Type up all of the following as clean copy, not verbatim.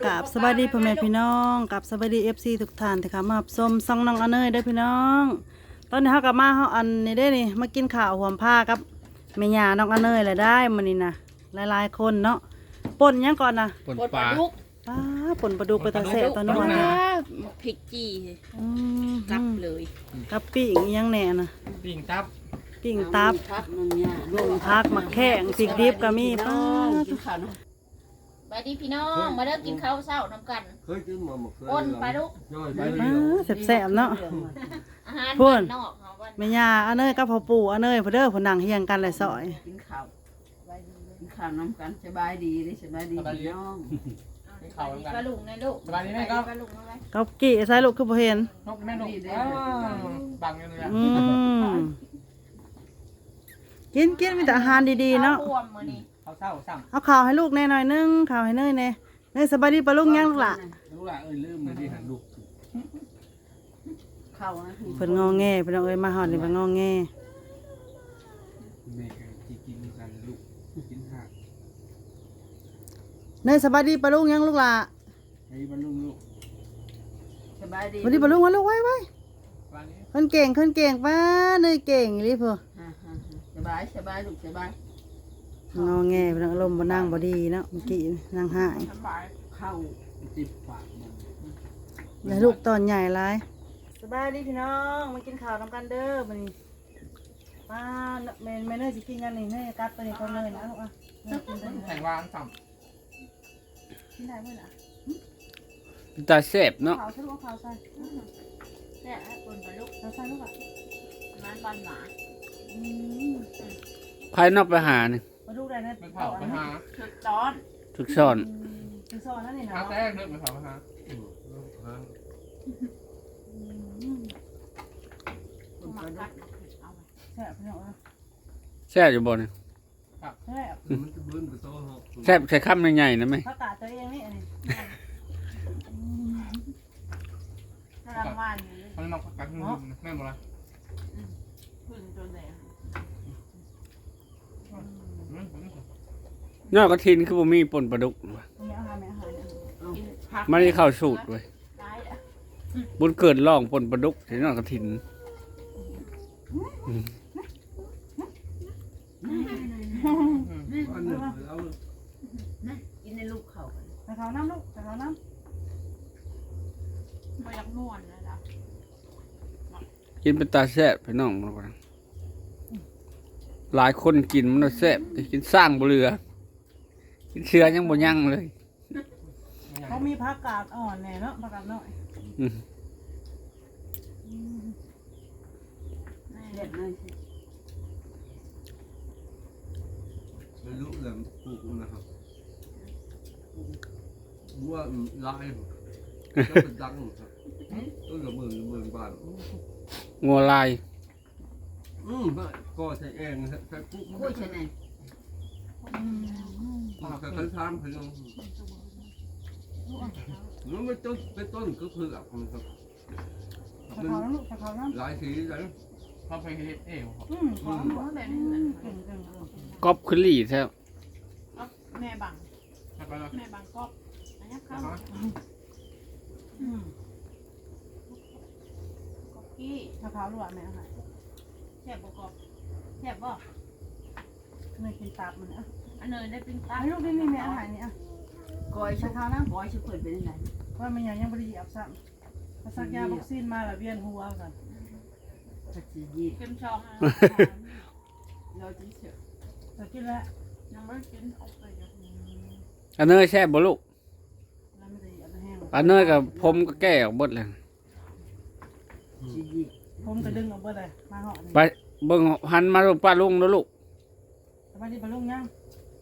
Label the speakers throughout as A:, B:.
A: กับสวัสดีพ่อแม่พี่น้องกับสวัสดีFCทุกท่านที่เข้ามารับชมซองน้องอเนยได้อพี่น้องตอนนี้เฮากลับมาเฮาอันนี้ได้นี่มากินข้าวหวมผ้ากับแม่ย่าน้องอเนยแหละได้มื้อนี้นะหลายๆคนเนาะป่นหยังก่อนนะ
B: ปนปลา
A: ป้าป่นปลาดุกไปตาแซ่บตอนนู้นนะ
C: พริกจี้
A: อืม
C: กลับเลย
A: กับปิ้งอิหยังแหน่นะ
B: ปิ่งตับ
A: ปิ้งตับ
C: พักนึงเนี่ย
A: ลงพักมาแข้งพริกดิบก็มีป้า
C: กินข้าวนะไปดีพี่น้องมาเริ่มกินข้าวเช้าน้ำกัน
D: เคยกินมาหมดเคย
C: อ้นปลาดุก
D: ย่อยไป
A: ป้าแซ่บๆเนาะ
C: อาหาร
A: พูด
C: บ้านนอกเขาว่า
A: แม่ย่าอเนยกับพ่อปู่อเนยเพิ่นเด้อเพิ่นนั่งเฮียงกันเลยซอย
E: กินข้าวกินข้าวน้ำกันสบายดีเลยสบายดีพี่น้อง
C: ปลาลุงในลูก
B: สบายดีไหมครับ
C: ปลาลุงอะไร
A: กับกี้ใส่ลูกคือบ่เห็น
B: นกแม่นกบังกันเลย
A: อืมกินมีแต่อาหารดีๆเนาะ
C: ข้วบวมมื้อนี้
B: เขาเศร้าสั่ง
A: เอาข้าวให้ลูกแน่หน่อยนึงข้าวให้เนยแน่เนยสบายดีปะลุงยังลูกล่ะ
B: รู้ละลืมเลยที่หันลูก
E: ข้าวนะ
A: เพิ่นงอแงเพิ่นเอาเอ้ยมาฮอดนี่เพิ่นงอแง
B: แม่ที่กินกันลูกกินหัก
A: เนยสบายดีปะลุงยังลูกล่ะ
B: ไอ้บรรลุลูก
E: สบายดี
A: สบายดีปะลุงมาลูกไว้
B: วันนี้
A: เพิ่นเก่งป้าเนยเก่งอีหลีเพิ่น
E: สบายสบายลูกสบาย
A: งอแงเพิ่นอารมณ์บ่นั่งบ่ดีเนาะเมื่อกี้นั่งหาย
B: สบาย
E: ข้าว
B: จิบปากมัน
A: แล้วลูกตอนใหญ่หลายสบายดีพี่น้องมากินข้าวนํกันเด้อมื้อนี้ป้าแม่เนยสิกินกันนี่เนยกัดตัวนี้ของเนยนะลูกอ่ะเนยกินตัวนี้
B: แข่งวางสั่ง
A: กินได้มื้อน่ะ
F: ตาแซ่บเนาะ
A: ข้าวใส่ลูกเอาข้าวใส่
C: เนี่ยปนปลาลุก
A: ข้าวใส่ลูกอ่ะ
C: น้ำปลาหมา
A: อืม
F: ภายนอกไปหานี่
A: มาดูได้นะ
B: เป็นเผาไปหา
C: ชุดตอน
F: ทุกซ่อน
A: คือซอนนั่นนี่นะ
B: หาแตกเลือดไปเผาไปหา
C: มากัดเอาไป
A: แซ่บพี่น้องนะ
F: แซ่บอยู่บ่นี่
A: แซ่บ
D: มันจะเบิ้ลไปโซ่หก
F: แซ่บใส่คำใหญ่ๆนะไหม
A: ผักกาดตัวเองนี่อันนี้
C: ถ้ารางวัลอยู่
B: มันนอกกันแม่หมดเลย
C: พึ่งจนแดง
F: นอกกระทินคือบ่มีป่นปลาดุกว่ะ
A: ไม่เอาหาไม่เอาหาเนี่ย
C: กินผัก
F: มันได้เข้าสูตรเว้ย
C: ได้อะ
F: บุญเกิดร่องป่นปลาดุกที่นอกกระทิน
D: อันหนึ่งเอา
E: กินในลูกข้าว
A: แต่เขาน้ำลูกแต่เขาน้
C: ไม่อยากนวลนะจ๊ะ
F: กินเป็นตาแซ่บพี่น้องมันว่าหลายคนกินมันน่ะแซ่บแต่กินสร้างบ่เหลือกินเชื้อยังบ่ยั่งเลย
A: ำเขามีผักกาดอ่อนแน่เนาะผักกาดน้อย
F: อืม
E: เด็ดเลย
D: ไม่รู้แหลมปลูกนะครับว่าลายก็เป็นดังครับต้นละหมื่นบาท
F: งัวลาย
D: ก็ใช้เองใช้ปุ๊บ
E: กล้วยชะแนน
D: ใช้คันทามพยองมันไม่ต้นเป็นต้นก็คือหลักมันครับ
A: แต่เขาน้ำลูกแต่เขาน้ำ
D: หลายสีหลาย
B: เขาไปเฮ็ดเองครับ
A: ขอน้ำ
C: เพราะแบบนี้เหมือน
A: เก่งเก่ง
F: กอบคือหลี่แท้
C: แม่บัง
B: ให้ไปเลย
C: แม่บังกอบอันนี้ข้าวกอบกี้
A: ถ้าเขาลวกแม่เอาหา
C: แซ่บบ่กอบแซ่บบ่
A: เนยกินตับมันอ่ะ
C: อันเนยได้ปิ้งตา
A: ไอ้ลูกนี่แม่อาหารนี่อ่ะ
E: ก้อย
A: แต่
E: ชุบ
A: เขาน้ำ
E: ก้อยชุบเปิดเป็นยังไง
A: ว่ามันยังบริยับซ้ำถ้าซักยาวัคซีนมาแล้วเวียนหัวกัน
E: ผัดซียีด
C: เค็มชองนะ
E: เราจะเชื่อ
A: แต่กินแล้ว
C: ยังไม่กินเอาไปอย่างนี้
F: อันเนยแซ่บบ่ลูก
A: แล้วไม่ได้เอาไปแห้ง
F: อันเนยกับผมก็แก้ออกเบิดเลย
E: ซียีด
A: ผมก็ดึงออกเบิดเลยมาเหาะนี่
F: ไปเบิ่งหันมาลูกป้าลุงแล้วลูก
A: สบายดีปะลุงยัง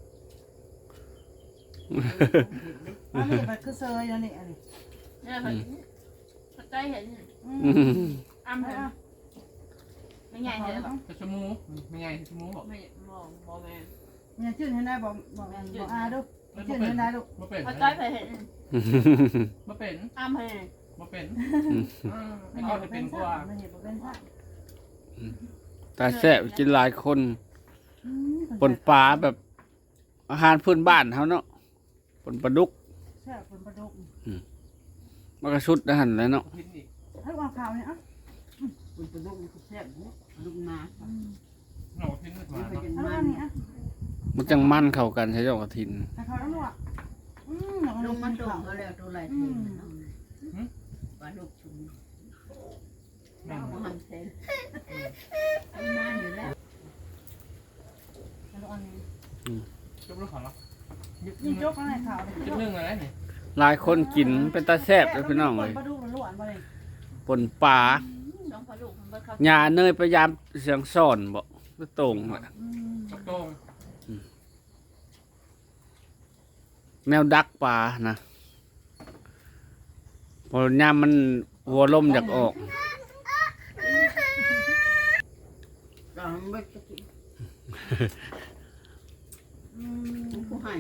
A: อันนี้ไปคือเซยอันนี้อันนี้
C: เนี่ยเห็นเข้าใจเห็น
F: อืม
C: อ้ำเห็นไม่ใหญ่เห็นแบบ
B: ชั่วโมงไม่ไงชั่วโมงบอก
C: ไม่มองบอแมน
A: เนี่ยชื่นเห็นได้บอกอาดูชื่นเห็นได้ลูก
B: มาเป็น
C: เข้าใจไปเห็น
B: มาเป็น
C: อ้ำเห็น
B: มาเป็นให้เขาจะเป็นกว่า
A: มันเห็นบอกเป็นซะ
F: ตาแซ่บกินหลายคนป่นปลาแบบอาหารพื้นบ้านเขาเนาะป่นปลาดุก
A: แซ่บเป็นปลาดุก
F: มันก็ชุดนะหันแล้วเนาะ
B: พินอีก
A: ให้วางข่าวเนี่ยอ่ะ
E: มันเป็นลูกมันแซ่บเนี่ยลูกนาค่ะ
B: หน่อพินขึ้นมา
E: นี่เป็น
B: เนาะ
A: เอา
E: มั
A: อั
E: น
A: นนี้อ่ะ
F: มันจังมั่นเข้ากันใช่เจ้ากระถิน
A: ให้เขาแล้วลูกอ่ะอย่าง
E: ลู
A: นี้
E: กมัน
A: กิน
E: ตรง
A: ข้าว
E: เขาแล้วตัวไรเทนปลาลูกชุม
B: แม่ง
E: มันทำเซนมาอยู่แล้ว
A: แล้วอันนี้
B: จบลูกขอเนาะ
A: นี่ยกอะไรข่าวเลย
B: จุดหนึ่งอะไรนี่
F: หลายคนกินเป็นตาแซ่บเลยพี่น้องเลย
A: ปลาดุกมันล้วนมาเลย
F: ปนปลา
C: สองพอลูกมันเบิดเข้า
F: หญ้าเนยพยายามเสียงซ่อนบ่ก็ตรงแหละ
B: กระโต้ง
F: แนวดักปลานะพอยามมันหัวลมอยากออก
E: เราไม่จะกินกูหาย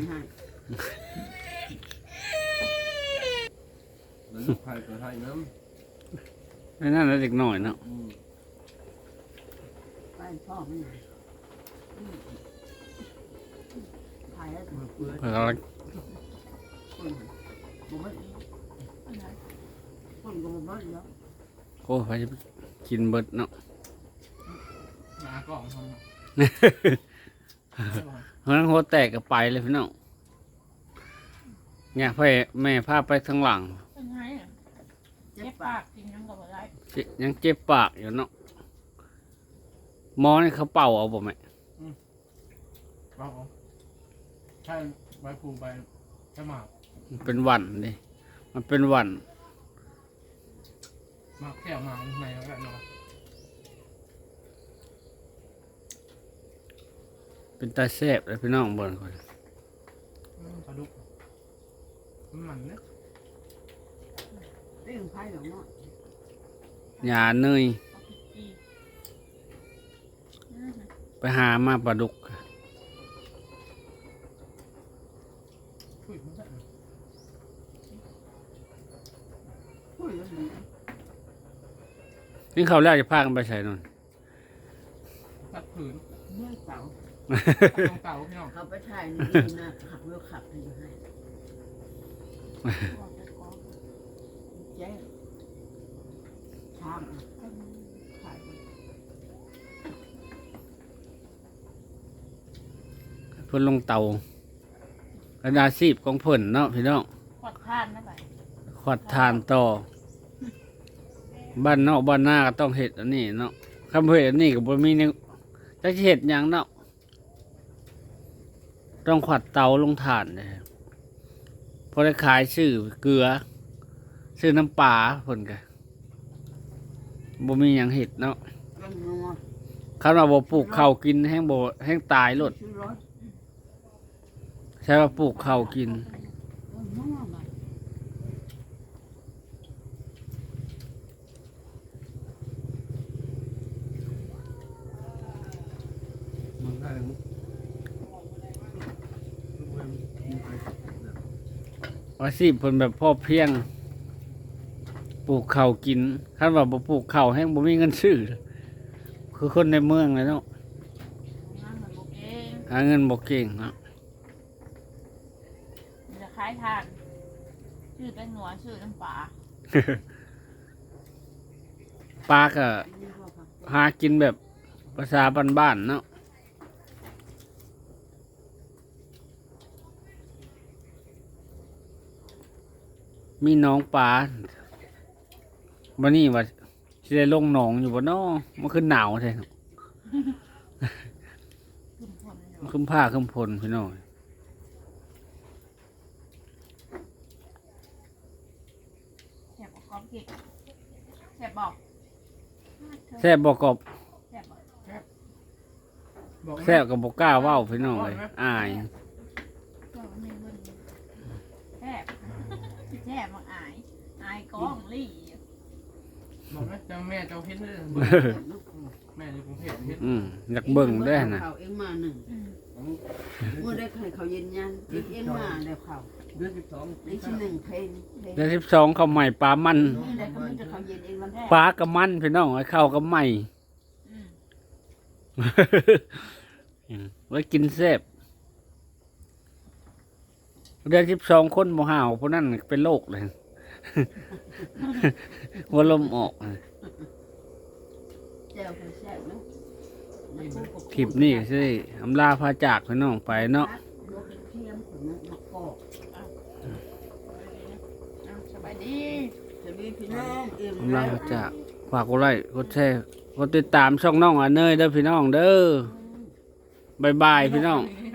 D: แล้วลูกไผ่ก็ให้น้
F: ไม่นั่นแล้วเด็กหน่อยเนาะ
E: ไปพ่อไม่ไหนหายแล้ว
D: ำเปื่อย
F: เพื่อเรา
E: คนบ่เบิดคนก็บ่เบิดแล้ว
F: โอ้ไปกินเบิดเนาะ
B: หนากล่องทำ
F: เพราะนั้นหัวแตกก็ไปเลยพี่น้องเนี่ยพ่อแม่พาไปข้างหลัง
C: เป็นไงอ่ะ
E: เจ็
C: เจ็
E: บบ ปา
C: ปาก กกินยังก็บ่ได้
F: ยังเจ็บปากอยู่เนาะหมอนี่เขาเป่าเอาบ่แม่
B: เอาใช่ใบภูใบกระหมาก
F: มันเป็นหวันดิมันเป็นหวัน
B: หมากแก้วหมากในแล้วกันเนาะ
F: เป็นตาแซ่บเลยพี่น้องเบิ่งคน
B: ปลาดุกมันเนี่ย
E: เรื่องไผ่หรอกเนาะ
F: หญ้าเนย
C: เอาพริกอีก
F: ไปหามาปลาดุก
B: คุยมันได้
E: พูดแล้วดี
F: นี่เขาแล้วจะพากันไปใส่นน
B: ตัดผืน
E: เมื่อเสา
B: ตรงเต่าพี่น้อง
E: เขาไปถ่ายนี่นะขับรถขับให้ให้เจ๊ทางถ่าย
F: เพิ่นลงเตากระดาษซีบของเพิ่นเนาะพี่น้อง
C: ขวดทานนะไป
F: ขวัดทานต่อ บ้านนอกบ้านหน้าก็ต้องเห็ดอันนี้เนาะคำเห็ดอันนี้ก็บ่มีเนี่ยจะเห็ดหยังเนาะต้องขวัดเตาลงถ่านเลยพอได้ขายชื่อเกลือชื่อน้ำปลาเพิ่นก็บ่มีหยังเห็ดเนาะ
E: กันนัว
F: คำว่าบ่ปลูกข้าวกินแห้งบ่แห้งตายโลด
E: ชื่อรถ
F: ใช่ว่าปลูกข้าวกิน
E: นัวมา
D: มันได้แล้ว
F: อาชีพเพิ่นแบบพ่อเพียง ปลูกข้าวกินคันว่าบ่ปลูกข้าวแห้งบ่มีเงินซื้อคือคนในเมืองเลยเนาะ
C: งานมันบ่เก่ง
F: หาเงินบ่เก่งเนาะ
C: มันจะคล้ายทานชื่อเป็นหนัวชื่อน้ำปลา
F: ปลาก็
E: นี่ก็ผัก
F: หากินแบบภาษาบ้านๆเนาะมีหน้องปลาบันนี้ว่าสิได้ลงหนองอยู่บ่เนาะมันคือหนาวแท้เนาะ
C: ขึ้นคนอยู่
F: มันคือผ้าคือพลพี่น้อง
C: แซ่บกรอบกิกแซ่บบอก
F: แซ่บบ่กบ
C: แซ่บบอก
B: บอก
F: แซ่บก็บ่กล้าเว้าพี่น้องเลยอาย
C: ก็ไม่เบิ่งแซ่บแซ่บมาอายอายก้องลี่
B: บอกนะเจ้าแม่เจ้าเห็นเลยแม่อยู่กรุงเทพเห็น
F: อยากเบิ่งได้นะ
E: เขาเองมาหนึ่งเมื่อได้ใครเขาเย็นยันเองมาแล้วเขา
D: เดือน12
E: ได้ชิ้นหนึ่งเพลง
F: เดือน12เขาใหม่ปลามัน
E: นี่แหละก็มีแต่เขาเย็นเองวันแรก
F: ปลากับมันพี่น้องไอ้ข้าวกับใหม่
C: อืม
F: ไว้กินแซ่บเดือน12คนบ่ห่าวพวกนั้นเป็นโรคเลย หัวลมออก
E: แจ่วคนแซ่บเนาะ
F: คลิปนี้สิอำลาพาจากพี่น้องไปเนาะ
E: ลูกเทียมของมันมะกอก
C: สบายดี
E: จะมีพี่น้องเอ็ม
F: อำลาพาจากฝากกดไลค์กดแชร์กดติดตามช่องน้องอันเนยเด้อพี่น้องเด้อบ๊ายบายพี่น้อง
C: ส